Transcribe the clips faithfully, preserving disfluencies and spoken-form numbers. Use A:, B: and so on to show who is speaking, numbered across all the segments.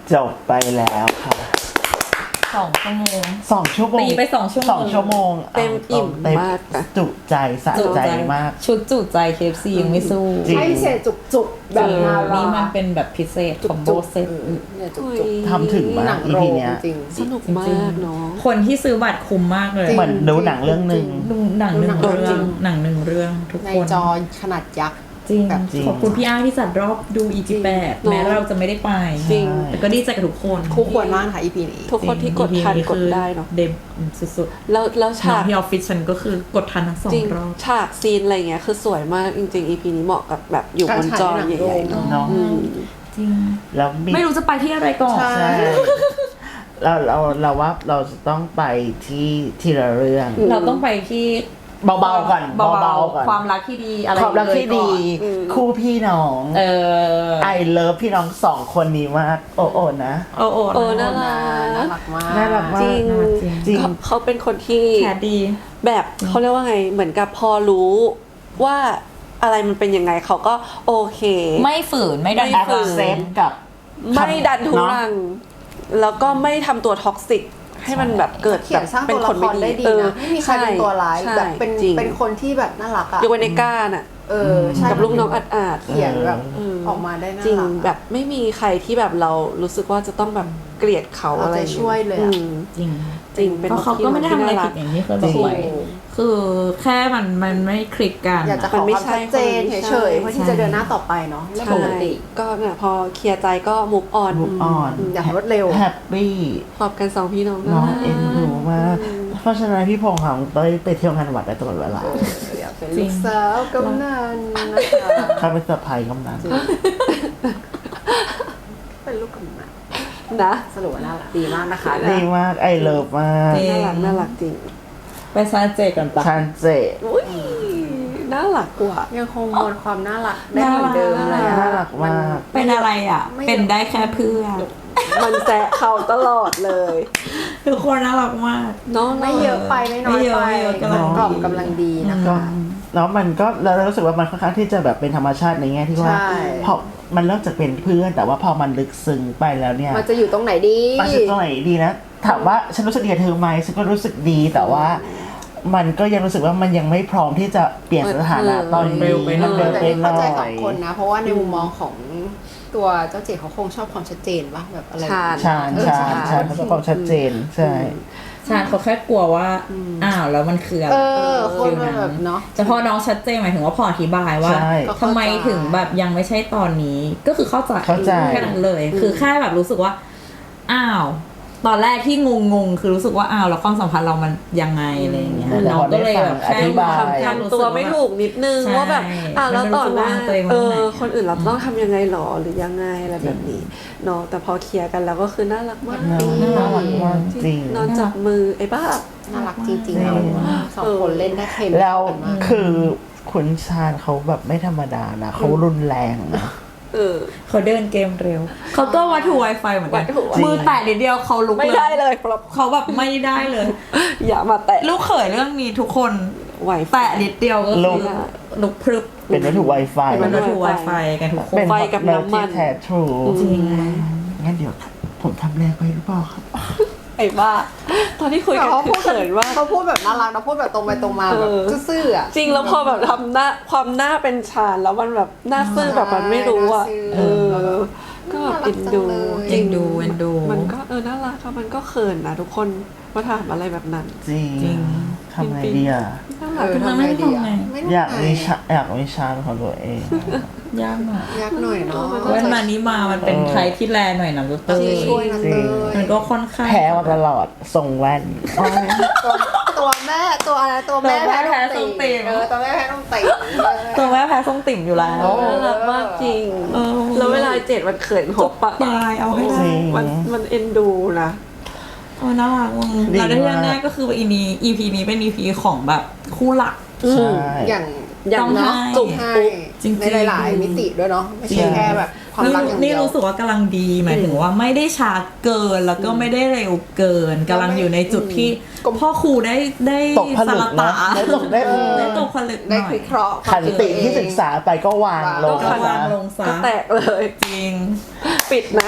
A: จบไปแล้วค่ะ
B: สองชั่วโมง
A: สองชั่วโมง
B: ตีไปสองชั่วโมง
A: สองชั่วโมง
C: เต็มอิ่มมาก
A: จุใจสะใจมาก
B: ชุดจุใจ เค เอฟ ซี ยังไม่สู้
D: ใช่พิเศษจุกๆแบบนารา
B: นี่มันเป็นแบบพิเศษคอมโบเซ็ต
D: เนี่ยจุกๆ
A: ทำถึงมาก อี พี เนี้ย
C: สนุกมากเนาะ
B: คนที่ซื้อบัตรคุ้มมากเลย
A: เหมือนดูหนังเรื่องนึง
B: ดูหนังหนึ่งเรื่องหนังหนึ่งเรื่องทุกคน
D: ในจอขนาดยักษ์
B: จริงขอบคุณพี่อ้างที่จัดรอบดู อี จี แปด แม้เราจะไม่ได้ไป
C: จริง
B: แต่ก็ดีใจกับทุกคน
D: คู่ควรมากค่ะ อี พี นี้
C: ทุกคนที่กดทันกดได้เนาะ
B: เด็มสุด
C: ๆแล้วแล้วฉาก
B: ที่ออฟฟิศฉันก็คือกดทันทั้งสองรอบ
C: ฉากซีนอะไรเงี้ยคือสวยมากจริงๆ อี พี นี้เหมาะกับแบบอยู่บนจอใหญ่ๆเนาะ
B: จริง
A: แล้ว
B: ไม่รู้จะไปที่อะไรก่อน
A: ใช่เราเราเราว่าเราจะต้องไปที่ที่ละเรื่อง
B: เราต้องไปที่
A: เบาๆก่อนเบาๆก่อน
B: ความรักที่ดีอะไร
A: ความรักที่ดีคู่พี่น้อง
B: เออ
A: ไอเลิฟพี่น้องสองคนนี้มากโอ้โอนะ
B: โอ้โอ
C: โอ้น่ารัก
D: น่ารักมาก
A: น่ารักมาก
C: จริงจริงเขาเป็นคนที่
B: แคดี
C: แบบเขาเรียกว่าไงเหมือนกับพอรู้ว่าอะไรมันเป็นยังไงเขาก็โอเค
B: ไม่ฝืนไม่ดัน
A: ฝืนเซฟกับ
C: ไม่ดันทุรังแล้วก็ไม่ทำตัวท็อกซิกให้มันแบบเกิดแบบ
D: เป็นคนไม่ดีนะไม่มีใครเป็นตัวร้ายแบบเป็นเป็นคนที่แบบน่ารักอ่ะ
C: ยกเว้นในก้าน่ะ
D: เออ
C: กับลูกน้องอัดอาด
D: เขียนแบบออกมาได้น่ารัก
C: จริงแบบไม่มีใครที่แบบเรารู้สึกว่าจะต้องแบบเกลียดเขาอะไร
D: ช่วยเลย
B: จริง
C: จริงเป็น
B: เขาก็ไม่ได้ทำอะไรผิดอย่างที่เคยบอกไว้คือแค่มันมันไม่คลิกกัน
D: อยากจะขอความชัดเจนเฉยๆเพื่อที่จะเดินหน้าต่อไปเนาะไม่ปกติ
C: ก็เนี่ยพอเคลียร์ใจก็มุกออน
A: มุกออน
D: อยากรวดเร็ว
A: แฮปปี้
C: ขอบกันสองพี่น้อง
A: น้องเอ็นดูมากเพราะฉะนั้นพี่พงษ์ของเต้ยไปเที่ยวงานวัดได้ตลอดเวลา
D: อยากเป็นลูกสาวกำนันนะคะ
A: เขาเป็นสะใภ้กำนัน
D: เป็นลูกกำนัน
C: นะ
D: สรุปว่าน่ารักดีมากนะคะ
A: ดีมากไอเลิฟมาก
C: น่ารักน่ารักจริง
B: ไปซานเจกันปะ
A: ซานเจ
C: อุ้ยน่ารักกว่า
D: ยังคงมวลความน่ารักได้เหมือนเดิมเลย
A: น่ารักมาก
B: เป็นอะไรอ่ะเป็นได้แค่เพื่อน
C: มันแซะเขาตลอดเลย
B: ทุกคนน่ารักมาก
C: น้อง
D: ไม่เยอะไปไม่น้อยไปกำลังกล่อมกำลังดีนะคะ
A: แล้วมันก็เรารู้สึกว่ามันค่อนข้างที่จะแบบเป็นธรรมชาติในแง่ที่ว่าพอมันเริ่มจากเป็นเพื่อนแต่ว่าพอมันลึกซึ้งไปแล้วเนี่ย
D: มันจะอยู่ตรงไหนดี
A: มันจะตรงไหนดีนะถามว่าฉันรู้สึกดีกับเธอไหมฉันก็รู้สึกดีแต่ว่ามันก็ยังรู้สึกว่ามันยังไม่พร้อมที่จะเปลี่ยนสถานะตอนนี้
D: มันเร็วไปหน่อยเข้าใจสองคนนะเพราะว่าในมุมมองของตัวเจ้าเจ๋เขาคงชอบความชัดเจนป่ะแบบอะไร
A: ชาญชาญชาญชาญเขาชอบความชัดเจนใช่
B: ชาญเขาแค่กลัวว่าอ้าวแล้วมันคืออะไร
D: เออคนแบบเนาะ
B: แต่พอน้องชัดเจนหมายถึงว่าพออธิบายว่าทำไมถึงแบบยังไม่ใช่ตอนนี้ก็คือเข้าใจแค่นั้นเลยคือแค่แบบรู้สึกว่าอ้าวตอนแรกที่งงงคือรู้สึกว่าอ้าวแล้วความสัมพันธ์เรามันยังไงอะไรอย่างเงี้ยน้องก็เลยแบบ
A: อธิบาย
C: ทำตัวไม่ถูกนิดนึงว่าแบบอ้าวแล้วต่อหน้าเออคนอื่นเราต้องทำยังไงหรอหรือยังไงอะไรแบบนี้เนาะแต่พอเคลียร์กันแล้วก็คือน่ารักมาก
A: น่ารักมากจริง
C: นอนจับมือไอ้บ้า
D: น่ารักจริงๆสองคนเล่นได้เค็ม
A: แล้วคือคุณชาญเขาแบบไม่ธรรมดานะเขารุนแรงนะ
B: เขาเดินเกมเร็วเขาก็วัตถุ Wi-Fi เหมือนกันมือแตะนิดเดียวเขาลุก
C: ไม่ได้เลย
B: เขาแบบไม่ได้เลย
C: อย่ามาแตะ
B: ลูกเขยเรื่องนี้ทุกคนแตะนิดเดียวก็คือลุกพรึบ
A: เป็นวัตถุ Wi-Fi
B: เป็นวัตถุ Wi-Fi กันทุกคน
C: ไฟกับน้ำมัน
A: แท้ทรู
B: จริง
A: งั้นเดี๋ยวผมทำแรงไปหรือเปล่าครับ
C: ไอ้บ้าตอนที่คุยกันคือเขินว่า
D: เขาพูดแบบน่ารักนะพูดแบบตรงไปตรงมาแบบซื่อๆอ่ะ
C: จริงแล้วพอแบบทำหน้าความหน้าเป็นชาญแล้วมันแบบหน้าซื่อแบบมันไม่รู้อ่ะเออก็แบบเอ็นดู
B: เอ็นดูเอ็นดู
C: มันก็เออน่ารักค่ะมันก็เขินนะทุกคนว่าถามอะไรแบบนั้น
A: จริงจริงทำไงดีอ่ะ
D: เออทำไงดีอ่ะ
A: อยากมีชาอยากมีชาของตัวเอง
B: ยากหน่อย
D: ยากหน่อยเนาะ
B: วันมานี้มามันเป็นใครที่แลหน่อยนะเตอร์
D: ช่วยนะเตอร์
B: มันก็ค่อนข้าง
A: แพ้มาตลอดส่งแว่น
D: ตัวแม่ตัวอะไรตัวแม่แพ้ส้มติ่มเออตัวแม่แพ้ส้มติ่ม
B: ตัวแม่แพ้ส้มติ่มอยู่แล้ว
C: น่ารักมากจริงแล้วเวลาเจ็ดมันเขินหกปะ
B: ตายเอาให้
C: มันมันเอ็นดูนะ
B: โอ้น่ารักมึงแล้วได้แน่ก็คืออีนี้ อี พี นี้เป็น อี พี ของแบบคู่หลัก
D: อย่าง
C: อย่างเนาะ
D: จุกในหลายๆมิติด้วยเนาะไม่ใช่แค่แบบความรักอย่างเดียว
B: นี่รู้สึกว่ากำลังดีหมายถึงว่าไม่ได้ช้าเกินแล้วก็ไม่ได้เร็วเกินกำลังอยู่ในจุดที่พ่อครูได้ได้
A: สารตาได้ตกได้
B: ได้ตกผลึกหน่อย
D: ได้วิเคราะห์
A: ขันติที่ศึกษาไปก็วางลง
B: ก็วางลงซะ
C: ก็แตกเลย
B: จริง
C: ปิดนะ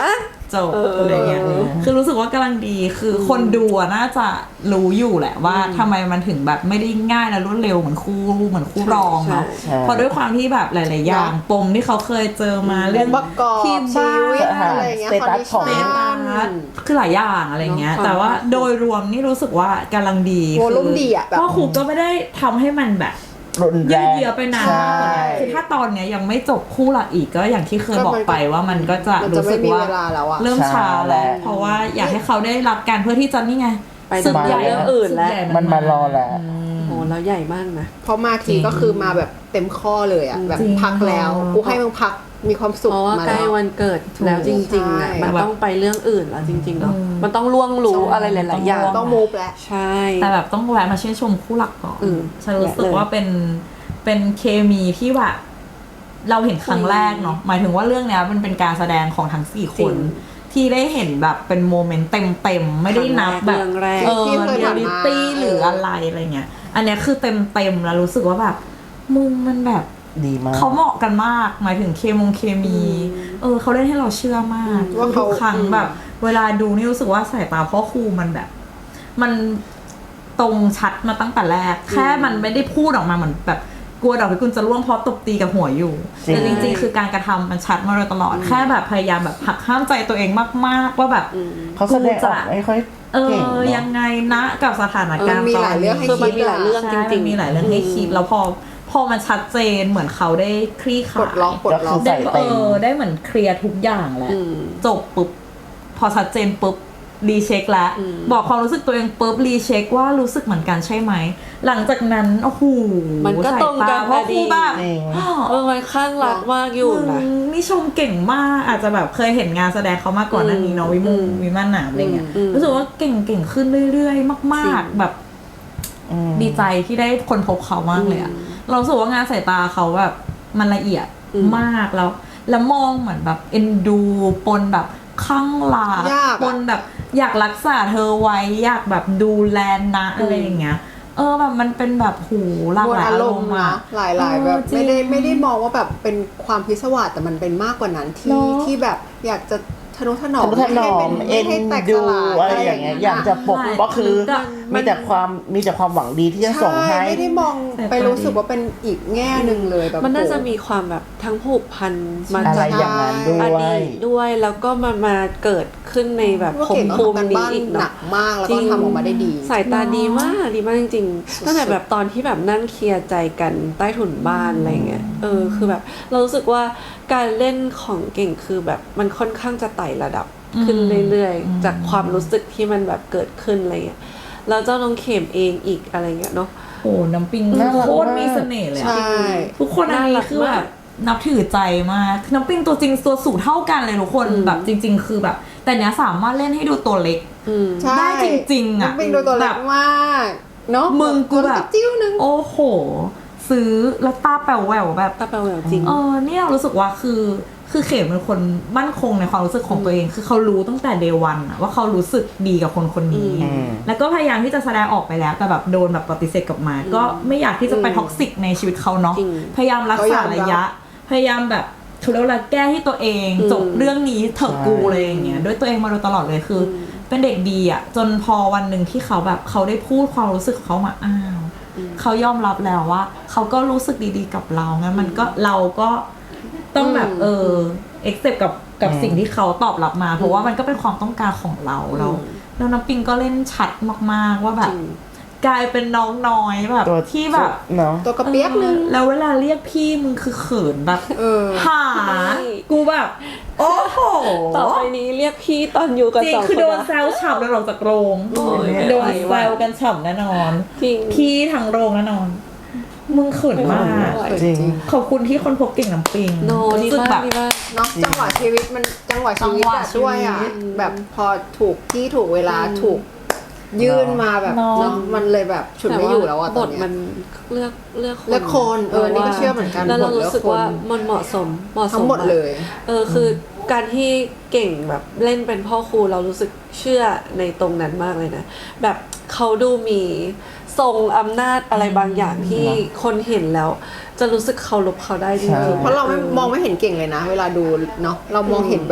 B: จบอะไรเงี้ยคือรู้สึกว่ากำลังดีคือคนดูน่าจะรู้อยู่แหละว่าทำไมมันถึงแบบไม่ได้ง่ายและรวดเร็วเหมือนคู่เหมือนคู่รองเนาะเพราะด้วยความที่แบบหลายๆอย่างปมที่เขาเคยเจอมาเรื่อง
D: ประกอบ
B: ที่
D: ชี
B: บ้าน
D: วิตอะไรเงี้ย
A: สเตตัสของ
B: เตตัสคือหลายอย่างอะไรเงี้ยแต่ว่าโดยรวมนี่รู้สึกว่ากำลังดี
D: โวลุ่มดีอะแบบ
B: พ่อครูก็ไม่ได้ทำให้มันแบบ
A: รุนแร
B: ยืด
A: ง
B: เยื้อไปนานมากกว่านี้คือถ้าตอนเนี้ยยังไม่จบคู่หลักอีกก็อย่างที่เคยบอกไปว่ามันก็จะ
D: มันจะ
B: รู้สึก
D: ไม่มี
B: ว่า
D: เวลาแล้วอะ
B: เริ่มช้าแล้วเพราะว่าอยากให้เขาได้รับการเพื่อที่จะนี่ไง
C: ไป
B: ศึกใหญ่
C: เรื่องอื่นแล้ว
B: ศึกใหญ่
A: มันมารอแล้ว
C: โอ้แล้วใหญ่มากนะ
D: เพราะมาทีก็คือมาแบบเต็มข้อเลยอะแบบ
B: จริง
D: พักแล้วกูให้มึงพักมีความสุข
C: เพราะว่า
D: มา
C: ใกล้
D: แล้ว
C: วันเกิดแล้วจริงๆอ่ะ
D: ใช่
C: มันต้องไปเรื่องอื่นแล้วจริงๆเนาะมันต้องล่วงรู้อะไรหลายๆอย่าง
D: ต้องมูฟแล้ว
C: ใช่
B: แต่แบบต้องแวะมาชื่นชมคู่หลักก่อน
C: อืม
B: ฉันรู้สึกว่าเป็นเป็นเคมีที่แบบเราเห็นครั้งแรกเนาะหมายถึงว่าเรื่องเนี้ยมันเป็นการแสดงของทั้งสี่คน ที่ได้เห็นแบบเป็นโมเมนต์เต็มๆไม่ได้นับแบบ
C: เรื่องแรก
B: เออ
D: ที่เคย
B: เรีย
D: ผ่าน
B: ลิ
D: มา
B: ตี้หรืออะไรอะไรเงี้ยอันเนี้ยคือเต็มๆแล้วรู้สึกว่าแบบมึงมันแบบ
A: ดีมาก
B: เขาเหมาะกันมากหมายถึงเคมงเคมี เออเขาเล่นให้เราเชื่อมาก
D: ว่าเขา
B: ทุกครั้งแบบ เวลาดูนี่รู้สึกว่าสายตาพ่อครูมันแบบ มันตรงชัดมาตั้งแต่แรก แค่มันไม่ได้พูดออกมาเหมือนแบบกลัวดอกพิกุลจะร่วงเพราะตบตีกับหัวอยู่
A: จริง
B: แต่จริงๆคือการกระทำมันชัดมาโดยตลอด แค่แบบพยายามแบบหักห้ามใจตัวเองมากๆว่าแบบ
A: เขาแสดงออกไม่ค่อย
B: เอ
A: เก่ง
B: อ
A: เนอะ
B: ยังไงนะกับสถานการณ์
D: เออมีหลายเรื่องให้
C: คือมันมีหลายเรื่องจ
B: ใช่
C: ริง
B: มัน
C: ๆ
B: มีหลายเรื่องให้คิดแล้วพอพอมันชัดเจนเหมือนเขาได้คลี่ค
D: ปล
B: ลา
D: ด
B: ย
D: ล็อกปลดล็อก
A: ก็คือ
B: ได้
A: ใส่
B: เออได้เหมือนเคลียร์ทุกอย่างแล้ว
C: อืม
B: จบปุ๊บพอชัดเจนปุ๊บรีเช็คแล้ว
C: อืม
B: บอกความรู้สึกตัวเองปุ๊บรีเช็คว่ารู้สึกเหมือนกันใช่ไหมหลังจากนั้นโอ้โห
C: มันก็ตรงกัน
B: เพราะ
C: นะ
B: ค
C: ดี
B: รูแบบ
A: จริง
C: เออมันข้างรักมากอยู่นะ
B: มึงนี่ชมเก่งมากอาจจะแบบเคยเห็นงานแสดงเขามาก่อนหน้านี้เนาะวิมุงวิมานหนามอะไรเงี้ย
C: อืม
B: รู้สึกว่าเก่งเก่งขึ้นเรื่อยๆ มาก
C: จริง
B: ๆ แบบ
A: อืม
B: ดีใจที่ได้คนพบเขามากเลยอะเรารู้สึกว่างานสายตาเขาแบบมันละเอียด
C: อืม
B: มากแล้ว แล้วมองเหมือนแบบเอ็นดูปนแบบข้างหลาย
D: ากอะ
B: ปนแบบอยากรักษาเธอไว้อยากแบบดูแลนะอะไรอย่างเงี้ย เออแบบมันเป็นแบบหูหลาก
D: มว
B: ห
D: ล
B: ลาย
D: อา
B: อาร ร
D: ม
B: ม
D: ณ์
B: ณ์
D: นะ
B: อะ
D: หลายๆแบบ
B: เออจริง
D: ไม่ได้ไม่ได้มองว่าแบบเป็นความพิศวาสแต่มันเป็นมากกว่านั้นที่
B: เนอะ
D: ที่แบบอยากจะทนุถนอ
A: ท
D: ม
A: นุถนอม
D: ไม่
A: เอ็น
D: ให้แตกส
A: ดู
D: ลาย
A: อะไรอย่างเงี้ยอยากจะปกก็คือ
B: ใช่
A: มีแต่ความมีแต่ความหวังดีที่จะส่งให้
D: ใช่ไม่ได้มองไปรู้สึกว่าเป็นอีกแง่หนึ่งเลยแบบ
C: มันน่าจะ
D: โอ้
C: มีความแบบทั้งผูกพันมา
A: อะไร
C: จาก
A: อย่างนั้นด้ว
C: อย ดีตด้วยแล้วก็มามาเกิดขึ้นในแบบ
D: ว่า
C: ภพ
D: เก่ง
C: ภู
D: ทำ
C: มิ
D: กัน
C: นี้
D: บ้าน
C: อีก
D: หนั
C: เนาะ
D: กมากแล้วก็ทำออกมาได้ดี
C: สายตาดีมากดีมากจริงๆตั้งแต่แบบตอนที่แบบนั่งเคลียร์ใจกันใต้ถุนบ้านอะไรเงี้ยเออคือแบบเรารู้สึกว่าการเล่นของเก่งคือแบบมันค่อนข้างจะไต่ระดับขึ้นเรื่อยๆจากความรู้สึกที่มันแบบเกิดขึ้นอะไรเงี้ยแล้วเจ้าน้องเข็มเองอีกอะไรเงี้ยเนาะ
B: โอ้น้ำปิง
A: น่ารัก
B: โคตร
A: มาก
B: มีเสน่ห์เลย
D: ใช่
B: อะทุกคนอันนี้คือแบบนับถือใจมากน้ำปิงตัวจริงตัวสูงเท่ากันเลยทุกคน
C: อืม
B: แบบจริง ๆ คือแบบ แต่เนี้ยสามารถเล่นให้ดูตัวเล็ก
C: อืม
D: ใช่
B: ได้จริงๆอะ
D: น้ำปิงดูตัวเล็กมากเนาะ
B: มึงกูแบบ
D: ตัวจิ้วนึง
B: โอ้โห ซื้อแล้วตาแป๋วแหววแบบ
C: ตาแปลวแหววจริง
B: เออเนี่ยรู้สึกว่าคือคือเขมเป็นคนมั่นคงในความรู้สึกของตัวเอง คือเขารู้ตั้งแต่เดวันว่าเขารู้สึกดีกับคนคนนี้
A: อืม
B: แล้วก็พยายามที่จะแสดงออกไปแล้วแต่แบบโดนแบบปฏิเสธกลับมา ก็ไม่อยากที่จะไปท็อกซิกในชีวิตเขาเนาะ
C: จริง
B: พยายามรักษาระยะ พยายามแบบเขาเรียกว่าแก้ที่ตัวเอง
C: อืม
B: จบเรื่องนี้เถอะกูเลยอย่างเงี้ยด้วยตัวเองมาโดยตลอดเลยคืออเป็นเด็กดีอ่ะจนพอวันหนึ่งที่เขาแบบเขาได้พูดความรู้สึกของเขามาอ้าวเขายอมรับแล้วว่าเขาก็รู้สึกดีๆกับเรางั้นมันก็เราก็ต้องแบบเออเอ็กเซปกับกับสิ่งที่เขาตอบรับมา เพราะว่ามันก็เป็นความต้องการของเราเราแล้วน้ำปิงก็เล่นชัดมากๆว่าแบบ
C: จริง
B: กลายเป็นน้องน้อยแบบ
A: ตัว
B: ที่แบบ
A: เนาะ
D: ตัวกระเปียกนึง
B: เออแล้วเวลาเรียกพี่มึงคือเขินแบบ
D: เออ
B: หากูแบบ โอ้โห
C: ต่อไปนี้เรียกพี่ตอนอยู่กัน
B: จริง
C: สอง
B: คือ
C: คน
B: โดน
C: นะ
B: แซวฉ่ำแล้วออกจากโรง
C: โอ้ย
B: โดน
C: ไม่
B: แซ
C: ไหว
B: วกันฉ่ำแน่นอน
C: จริง
B: พี่ทั้งโรงแน่นอน มึงเขินมาก
C: ไม่ไหว
A: จริง
B: ขอบคุณที่คนพบเก่งน้ำปิง
C: โนดี
B: รู้สึก
C: มา
B: แบ
C: ก
B: บ
C: ดีมาก
D: เนาะจังหวะชีวิตมันจังหวะชีวิต
B: จังหวะ
D: อะด้วยอ่ะ
B: ชีวิต
D: แบบพอถูกที่ถูกเวลาถูกยื่นมาแบบ
B: เนาะ
D: เนาะมันเลยแบบฉุดไม่อยู่แล้วอะ
C: บ
D: ตอน
C: ท
D: เนี้ย
C: มันเลือกเลือกคน
D: เลือกคนเออนี่ก็เชื่อเหมือนกัน
C: แล้วเรา
D: บทเลือก
C: รู้สึกว่า
D: คน
C: มันเหมาะสมเหมาะสม
D: ทั้งหมด
C: าก
D: เลย
C: เออคือการที่เก่งแบบเล่นเป็นพ่อครูเรารู้สึกเชื่อในตรงนั้นมากเลยนะแบบเขาดูมีทรงอำนาจอะไรบางอย่างที่คนเห็นแล้ว จะรู้สึกเคารพเขาได้จริง
A: ใช่
C: ๆ
D: เพราะเราไม่มองไม่เห็นเก่งเลยนะ เวลาดูเนาะเรามองเห็นแบบ
A: จ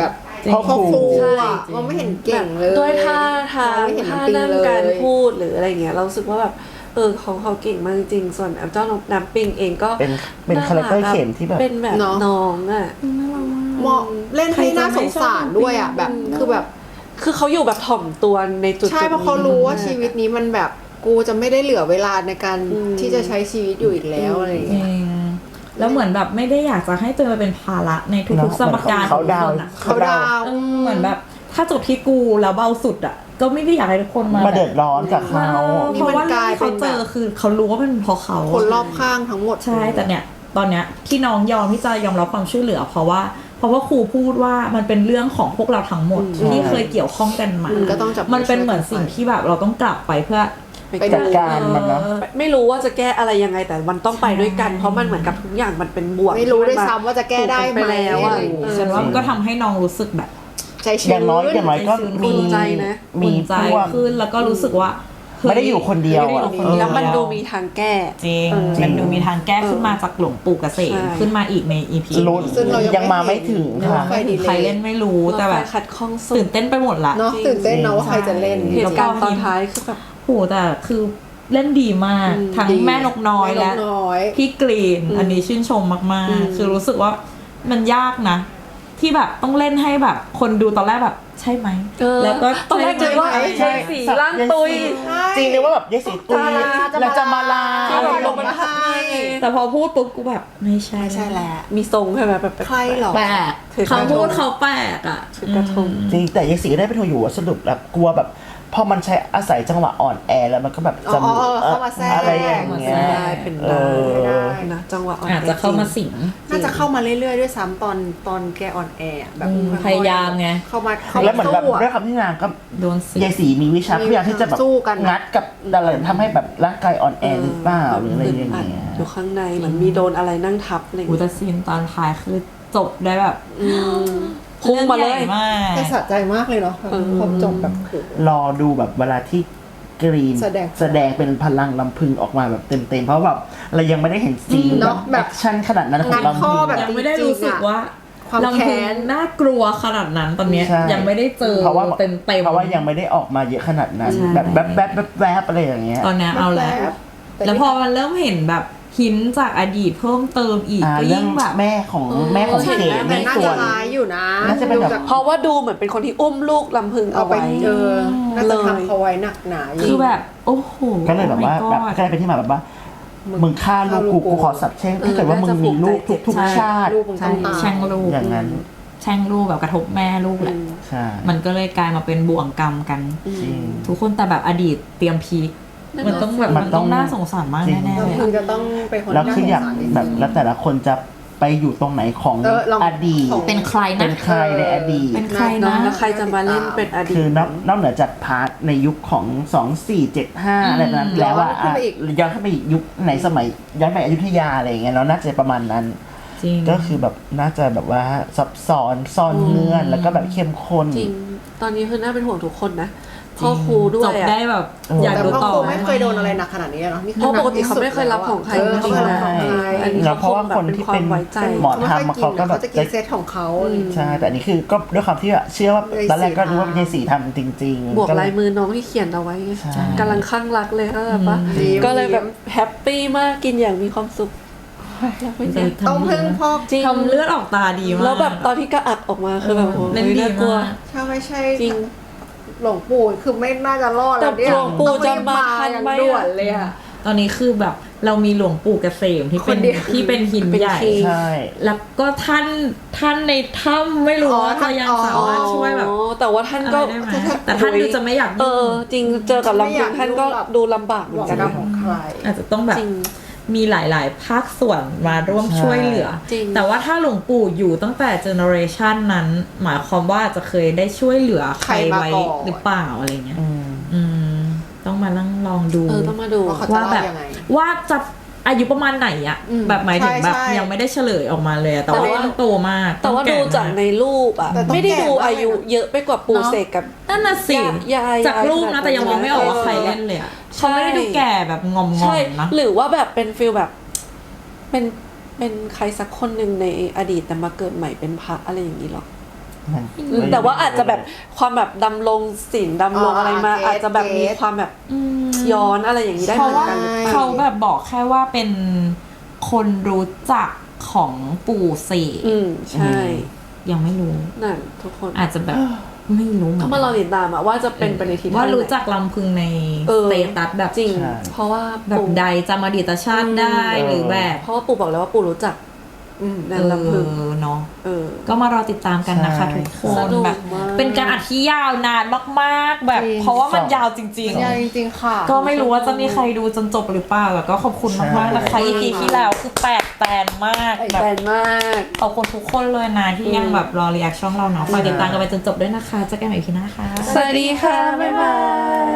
A: พ่อครู
D: ครู
C: ใช่
D: อ่ะมันไม่เห็นเก่งเลย
C: ด้วยท่าทาง
D: ไม่เห็น
C: ท่า
D: ปิง
C: นั่ง
D: เลย
C: การพูดหรืออะไรเงี้ยเรารู้สึกว่าแบบเออเขาเขาเก่งมากจริงส่วนเจ้าน้ำปิงเองก็
A: เป็นเป็นคาแรคเตอร์เข็มที่แบบ
C: เป็นแบบ
D: เนอะ
C: น้องอ่ะ
D: เหมาะเล่นให้น่าสงสารด้วยอ่ะแบบคือแบบ
C: คือเขาอยู่แบบถ่อมตัวในจุดๆ
D: ใช่เพราะเขารู้ว่าชีวิตนี้มันแบบกูจะไม่ได้เหลือเวลาในการ
C: อืม
D: ที่จะใช้ชีวิตอยู่อีกแล้วอะไรอย่าง
B: จริ
D: เงี้ย
B: งแล้วเหมือนแบบไม่ได้อยากจะให้ตัวเองเป็นภาระในทุกๆสมการ
A: เขาดาว
B: ของคนอะ
D: เขาดาว
B: เออเหมือนแบบ ถ้าจบที่กูแล้วเบาสุดอ่ะ ก็ไม่ได้อยากให้ทุกคนมา
A: มาเดือดร้อนกับเขา
B: เพราะว่าเรื่องที่เขาเจอคือเขารู้ว่าเป็นเพราะเขา
D: คนรอบข้างทั้งหมด
B: ใช่แต่เนี่ยตอนเนี้ยที่น้องยอมที่จะยอมรับความช่วยเหลือ เพราะว่าเพราะว่าครูพูดว่ามันเป็นเรื่องของพวกเราทั้งหมดที่เคยเกี่ยวข้องกันมา
D: ก็ต้องจับ
B: มันเป็นเหมือนสิ่งที่แบบเราต้องกลับไปเพื่อ
C: ไป
A: จัดการมันนะ
B: เออ
C: ไม่รู้ว่าจะแก้อะไรยังไงแต่มันต้องไปด้วยกัน เพราะมันเหมือนกับทุกอย่างมันเป็นบวก
D: ไม่รู้ด้วย
C: ที่น
D: ซ้ำว่าจะแก้ได้ไหม
C: ถูกไปแล้วอะ
D: อะไรอย่างเงี้ย
C: เออ
B: ฉันว่ามันก็ทำให้น้องรู้สึกแบบ
D: ใจชื้น
A: อย่างน้อยอย่างน้อยก็มี
C: อุ่นใจนะ
A: มี
B: อุ่นใจ
A: พวก
B: ขึ้นแล้วก็รู้สึกว่าเฮ้ย
A: ไม่ได้อยู่คนเดียวอะ
B: ไม่ได้อยู่คนเดียว
C: แล้วมันดูมีทางแก้
B: จริง
C: เออ
B: มันดูมีทางแก้ขึ้นมาจากหลวงปู่เกษม
C: ใช่
B: ขึ้นมาอีกใน อี พี
A: ลุ้น
D: ซึ่งเรายัง
A: ยังมาไม่ถึง
D: ไม่
A: ค่ะ
D: ค่อยดีเลย
B: ใครเล่นไม่รู้แต่แบบ
C: เราไปขัดข้องสุ
B: ตื่
C: ด
B: นเต้นไปหมดละ
D: เนาะตื่นเต้นเนาะว่าใครจะเล่น
C: เหตุการณ์ตอนท้ายคือแบบ
B: โหแต่คือเล่นดีมาก
C: อืม
B: ทั้ง
D: ดี
B: แม่นกน้อย
D: แม่นก
B: และ
D: น้อย
B: พี่กรีน
C: อืม
B: อันนี้ชื่นชมมาก
C: อืม
B: ๆ คือรู้สึกว่ามันยากนะ ที่แบบต้องเล่นให้แบบ คนดูตอนแรกแบบใช่ไหม
C: เออ
B: แล้วก็
C: ตอนแรก
B: ใช่
C: คิด
B: ไหม
C: ว่า
A: ใช่
C: ยายสีร่างตุย
A: จริงเลยว่าแบบยายสีตุย
D: จะมาลา
A: แล้วจะมาลา
C: ที่
A: อะไร
C: แบบ
A: อ
C: ล
A: ย่าง ง
C: มัน
A: เงี้ย
C: ทับให้
B: แต่พอพูดปุ๊บกูแบบไม่ใช่
D: ไม่ใช่แหละ
C: มีทรงใช่ไหมแบบ
D: ใครหรอ
B: แปลก
C: ถือกระทง
B: เขาพูดเขาแปลกอ่ะ
C: ถือกระทง
A: จริงแต่ยายสีก็ได้เป็นคนอยู่ว่าสรุปแล้วกลัวแบบพอมันใช้อาศัยจังหวะอ่อนแอแล้วมันก็แบบจะ
D: อ๋อเออเข้ามาแทรก
A: อะไรอย่างเงี้ย
C: ได้เป็น
A: เอ
C: ได้
A: อ
C: นะจังหวะอ่อน
B: อาจจะเข้ามาสิง
D: น่าจะเข้ามาเรื่อยๆด้วยซ้ำตอนตอนแกออนแอร์อะแบบ
B: อืม
D: ค่อๆ
B: พยายามไง
D: เข้ามาเข้า
A: แล้วเหมือนแบบ
D: สู้อะ
A: ด้วยคำที่นางก็
B: โดนสิง
A: ยายสีมีวิชาพยายามที่จะแบบ
D: สู้กัน
A: งัดกับอะไรทำให้แบบร่างกายอ่อนแอหรือเปล่าหรืออะไรอย่างเงี้ย
C: อยู่ข้างในเหมือนมีโดนอะไรนั่งทับอะไรอย่าง
B: อุ
C: เงี้ย
B: ตซีนตอนท้ายคือจบได้แบบ
C: อืมพุ่งมาเลย
B: รื่องใหญ่มาก
D: แต่สะใจมากเลยเนาะ
C: เออ
D: พอจบแบบโห
A: รอดูแบบเวลาที่กรีน
D: แสดง
A: แสดงเป็นพลังลำพึงออกมาแบบเต็มๆเพราะแบบเรายังไม่ได้เห็นซีน
D: เน
A: แบ
D: อะ
A: บ
D: แบ
A: แบบ คชั่นขนาดนั้นของ
D: งัด
A: ลำ
D: ข้
A: พึ
D: องแบบ
B: ยังไม่ได้รู้สึกว่า
D: ความ
B: ลำพึ
D: แค้
B: ง
D: น
B: น่ากลัวขนาดนั้นตอนเนี้ย
A: ใช่
B: ยังไม่ได้เจอ
A: เพราะว่า
B: เต็มเต็ม
A: เพราะว่ายังไม่ได้ออกมาเยอะขนาดนั้น
B: ใช่
A: แบบแบบแบบแบบแบบอะไรอย่างเงี้ย
B: ตอนเนี้ยเอาแล้ว
D: แต่
B: แล้วพอมันเริ่มเห็นแบบหินจากอดีตเพิ่มเติมอีก
A: อ่า
B: ก็
A: เรื่อ
B: ยิ่
A: ง
B: งแบบ
A: แม่ของแม่ของเก๋
D: แต่
A: ใน
D: น่า
A: ส่ว
D: จะ
A: น
D: ร้ายอยู่นะ
A: น่าจะเป็นแบบ
D: ดูจาก
C: เพราะว่าดูเหมือนเป็นคนที่อุ้มลูกลำพึง
D: เอา
C: เอา
D: ไป
C: ไว้
D: เออน่าจะ
C: เลย
D: ทำเขาไว้หนักหนาอยู่
B: คือแบบ โอ้โห
A: ก็เลยแบบว่า
B: Oh my
A: แบบ
B: God
A: ก็เลยเป็นที่มาแบบว่า มึงฆ่าลูกกูกูขอสับแช่งถ้าเกิดว่ามึงมีลูกทุกทุก
B: ใช่
A: ชาติ
D: ลูกมึง
B: ใช่
D: ต้องตาย
B: แช่งลูก
A: อย่างนั้น
B: แช่งลูกแบบกระทบแม่ลูกแหละ
A: ใช่
B: มันก็เลยกลายมาเป็นบ่วงกรรมกัน
A: จริง
B: ทุกคนแต่แบบอดีตเตรียมพีคมันต้องแบบ
A: มั
B: มัน น
A: ต้
B: ต้
A: อ
B: อง งน่าสงสารมาก
A: จริง
B: แน่ๆเลย
D: มึง
B: อะ
D: จะต้องเป็นคน
A: แล้ว
D: น่า
A: คือ
D: สง
A: อยาก
D: สารจริงๆ
A: แบบแล้วแต่ละคนจะไปอยู่ตรงไหนของ
D: เออลอง
A: อดีต
D: ของ
B: เป็นใคร
A: เป็
B: นะ
A: นใครในอดีต
B: เป็นใคร
C: น้อ
B: นะ
C: งแล้วใครจะมาเล่นเป็นอดีต
A: คือนอกนอกเหนือจากพาร์ทในยุคของสองสี่เจ็ดห้าอะไรแบบนั้นแล้วว่า
D: ย้อนขึ้นไปอีก
A: ย้อนขึ้นไปอีกยุคไหนสมัยย้อนไปอยุธยาอะไรอย่างเงี้ยเนาะน่าจะประมาณนั้น
B: จริง
A: ก็คือแบบน่าจะแบบว่าซับซ้อนซ่อนเงื่อนแล้วก็แบบเข้มข้น
C: จริง ตอนนี้คือน่าเป็นห่วงทุกคนนะพ่อครูด้ว
B: จ
C: ย
B: บ
C: อะ
B: ได้แบบ
A: เอออ
B: อยาก
D: แต่
B: ดู
D: พ่อ
B: ต่อ
D: ครูไม่เคยโดนอะไรหนักขนาดนี้เนาะนี่คือ
C: เพราะปกติ
D: หนั
C: เขาไม่เคยรับของใคร
D: เออเขาไม่เคยรับของใคร
C: อันนี้
A: แล้วเพราะว่าคนที่เป็น
C: เป็นความไว้ใจ
A: หมอ
D: เขาไม่
A: ทำ
D: ค่อย
A: มา
D: กิ
A: เขา
D: น
A: ก็
D: นะ
A: แบบ
D: เขาจะกินเซตของเขาอะไรอย่างเงี้ย
A: ใช่แต่อันนี่คือก็ด้วยความที่เชื่อว่า
D: เลย
A: ตอนแรกก็
D: สี
A: รู้ว่า
D: ทำ
A: เป็นยายสีทำจริงๆ
C: บวก
A: ก็เล
C: ลายมือน้องที่เขียนเอาไว้ไง
A: ใช่
C: กำลังข้างรักเลยก็แบบว่า
D: อืม
C: ก็เลยแบบแฮปปี้มากกินอย่างมีความสุขแล้วเป็นไง
D: ต้องพึ่งพ่อ
C: จริง
B: ทำเลือดออกตาดีมาก
C: แล้วแบบตอนที่กระอักออกมาคือแบบโอ้โห
B: เล่นดี
C: น่ากลัว
B: มาก
D: ถ้าไม่ใช่
C: จริง
D: หลวงปู่คือไม่น่าจะรอดแล้วเนี่ย
C: แต่หลวงปู่
D: ต้องรีบ
C: จะมาทัน
D: อย่าง
C: ไหมอะ
D: ด่วนเลยอะ
B: ตอนนี้คือแบบเรามีหลวงปู่เกษมที่เป็น
D: คนเดียว
B: ที่เป็นหิน
C: เป็น
B: ใหญ่
C: คิง
A: ใช่
B: แล้วก็ท่านท่านในถ้ำไม่รู้
D: อ๋อ
B: ว่าจะยัง
D: อ๋อ
B: สามารถช่วยแบบ
C: อ๋อแต่ว่าท่าน
B: อะไร
C: ก็
B: ได้ไหมแต่ท่านดูจะไม่อยาก
C: เอ
B: ยุ่
C: อง จริงเจอกับลำพึงท่านก็ดูลำบากเหมื
D: ห
C: อ
D: วัน ง
C: กัน
D: กรร
C: นะ
D: มของใคร
B: อาจจะต้องแบบ
C: จริง
B: มีหลาย ๆ ภาคส่วนมาร่วม
A: ใช่
B: ช่วยเหลือ
C: จริง
B: แต่ว่าถ้าหลวงปู่อยู่ตั้งแต่เจเนอเรชันนั้น หมายความว่าจะเคยได้ช่วยเหลือใคร
D: ใครมา
B: ไว้
D: ก่อน
B: หรือเปล่าอะไรเงี้ย
A: อืม
B: อืม ต้องมานั่งลองดู
C: เออต้องมาดู
D: ว่าเขาจะ
B: ว่าแบบ
D: เล่ายังไง
B: ว่าจะอายุประมาณไหนอะ
D: อืม
B: แบบหมายถึง
D: ใช่
B: แบบ
D: ใช่
B: ยังไม่ได้เฉลยออกมาเลยอะแต่ว่า
C: แต่ว่า
B: ต้องโตมาก
C: แต่ว่า
B: อง
C: ดู
B: ก่
C: จากในรูปอ่ะ
D: แต่ต้อง
C: ไม่ได้
D: แก่
C: ดู
D: มากเลยนะ
C: อายุเยอะไปกว่าปูเสกกับ
B: นั่นน่ะสิ
C: ยายาย
B: จากรูปนะแต่ยังมองไม่ออกว่า
C: เออ
B: ใครเล่นเลยอะ
C: ใช่
B: เขาไม่ได้ดูแก่แบบงอม
C: ใช่
B: ๆนะ
C: หรือว่าแบบเป็นฟิลแบบ เป็นเป็นใครสักคนหนึ่งในอดีตแต่มาเกิดใหม่เป็นพระอะไรอย่างนี้หรอ
A: มัน
C: แต่ว่าอาจจะแบบความแบบดำรงศีลดำรงอะไรมา อาจจะแบบมีความแบบย้อนอะไรอย่างนี้ได้
B: เพ
C: เหมื
B: ราะ
C: อน
B: ว่า
C: กันหรือเปล่า
B: เขาแบบบอกแค่ว่าเป็นคนรู้จักของปู่เสก
C: อืมใช่
B: ยังไม่รู้
C: นั่นทุกคน
B: อาจจะแบบไม่รู้เหมือน
C: ก็
B: กั
C: มาน รอติดตามอะว่าจะเป็นไปในทิศทาง
B: ว่ารู้
C: ไหน
B: จักลำพึงใน
C: เอ
B: ส
C: อ
B: เตตัสแบบ
C: จริง
A: ใช่
C: เพราะว่า
B: แบบ
C: ปู่
B: ใดจำอดีตชาติได้
A: อืม
B: หรือแบบ
C: เพราะว่าปู่บอกแล้วว่าปู่รู้จัก อืมนางลำพึง
B: เออเนาะ
C: เออ
B: ก็มารอติดตามกันนะคะ
A: ใช่
B: ทุกค
C: ส
B: น
C: นุก
B: แบบ
C: มาก
B: เป็นการอัดที่ยาวนานมากๆ แบบ
D: จริง
B: เพราะว่ามัน
A: สอง
B: ยาวจริง
D: ยาวจริงๆค่ะ
B: ๆ ก็ไม่รู้ว่าจะมีใครดูจนจบหรือเปล่าแต่ก็ขอบคุณมากๆนะคะ อี พี ที่แล้วคือแปลกแตนมาก
C: ไอ้
B: แบบ
C: แบนมาก
B: ขอบคุณทุกคนเลยนะที่ยังแบบรอรีแอคช่องเราเนาะฝากติดตามกันไปจนจบด้วยนะคะเจะแก้ใหม่ อี พี หน้าค่ะ
C: สวัสดีค่ะ บ๊ายบาย